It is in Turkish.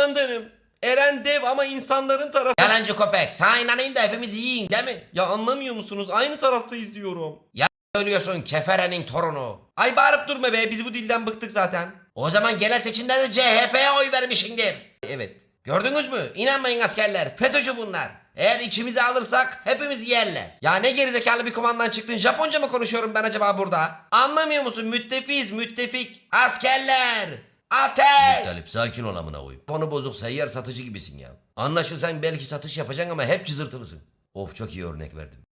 İskander'im. Eren dev ama insanların tarafı. Yalancı köpek. Sana inanayım da hepimiz yiyin değil mi? Ya anlamıyor musunuz? Aynı taraftayız diyorum. Söylüyorsun keferenin torunu. Ay bağırıp durma be, biz bu dilden bıktık zaten. O zaman genel seçimlerde CHP'ye oy vermişsindir. Evet. Gördünüz mü? İnanmayın askerler. FETÖ'cü bunlar. Eğer içimizi alırsak hepimiz yerler. Ya ne gerizekalı bir komandan çıktın, Japonca mı konuşuyorum ben acaba burada? Anlamıyor musun? Müttefiyiz, müttefik. Askerler! Ateş! Galip sakin ol amına koyayım. Konu bozuk, seyyar satıcı gibisin ya. Anlaşılsan belki satış yapacaksın ama hep cızırtılısın. Of, çok iyi örnek verdim.